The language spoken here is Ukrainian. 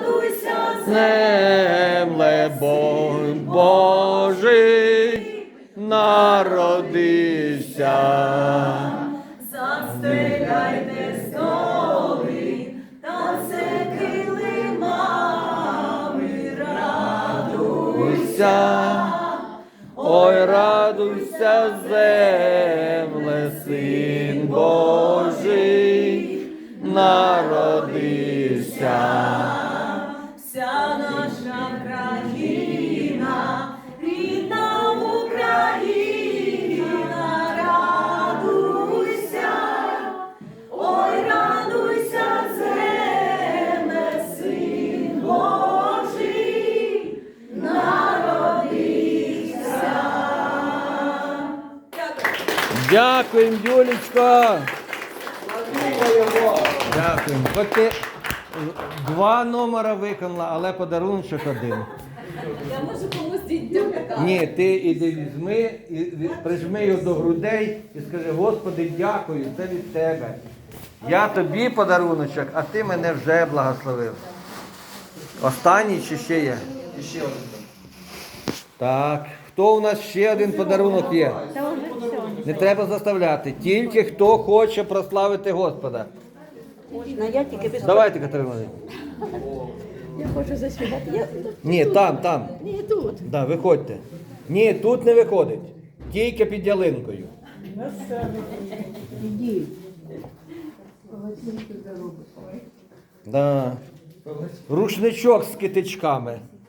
земле, Божий народився. Застеляйте столи, танце килимами, радуйся. Ой, радуйся, земле, Син Божий народився. Вся наша країна, рідна Україна, радуйся, ой, радуйся, земле, Син Божий народився. Дякуємо, Юлічко. Дякуємо. Хоч ти 2 номера виконала, але подарунок один. Я можу комусь дітям показати. Ні, ти іди візьми, і прижми його до грудей і скажи: Господи, дякую, це від тебе. Я тобі подаруночок, а ти мене вже благословив. Останній чи ще є? І ще один. Так. Хто у нас ще один подарунок є? Не треба заставляти. Тільки хто хоче прославити Господа. Можна, я тільки без... Давайте, Катерина Володимирівна. Я хочу заспівати. Ні, там. Ні, тут. Да, виходьте. Ні, тут не виходить. Тільки під ялинкою. Іди. Да. Рушничок з китичками.